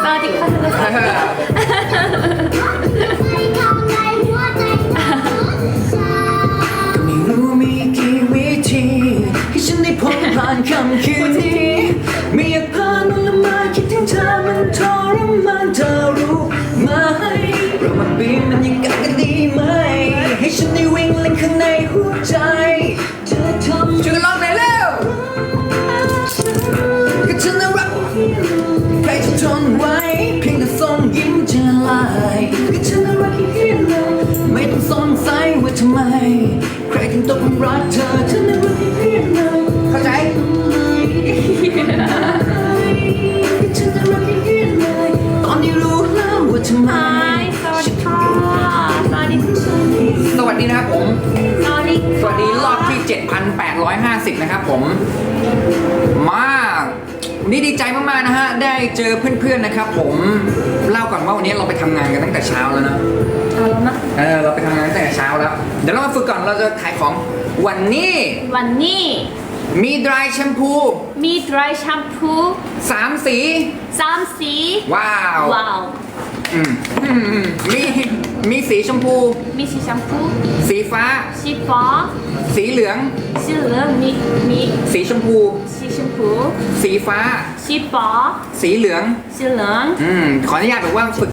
วัสดีค่ะก็ไม่รู้มีกี่วิธีให้ฉันได้พ้นผ่านค่ำคืนนี้ไม่อยากพามันละมาคิดถึงเธอมันทรมานเธอรู้ไหมเรามาปีนมันยังกันดีไหมให้ฉันได้วิ่งเล่นข้างในหัวใจเธอทำช่วยกันร้องหน่อยเร็วก็ฉันน่ารักใครจะทนไหวเพียงแต่ส่งยิ้มจะลายก็ฉันน่ารักที่เราไม่ต้องสงสัยว่าทำไมใครถึงต้องรักเธอฉันน่ารักที่เราเข้าใจฉันน่ารักที่เราตอนที่รู้แล้วว่าทำไมสวัสดีค่ะสวัสดีคุณสวัสดีนะครับผมสวัสดีสวัสดีรอบที่ 7,850 นะครับผมมาวันนี้ดีใจมากๆนะฮะได้เจอเพื่อนๆนะครับผมเล่าก่อนว่าวันนี้เราไปทำงานกันตั้งแต่เช้าแล้วนะเอาแล้วนะเราไปทำงานตั้งแต่เช้าแล้วเดี๋ยวเรามาฝึกก่อนเราจะขายของวันนี้วันนี้มี dry แชมพูมี dry shampoo 3 สี 3 สีว้าวว้าวอืมมีสีชมพูมีสีแชมพูสีฟ้าสีฟ้าสีเหลืองสีเหลืองมีสีชมพูสีชมพูสีฟ้าสีฟ้าสีเหลืองสีเหลืองขออนุญาตแบบว่าฝึก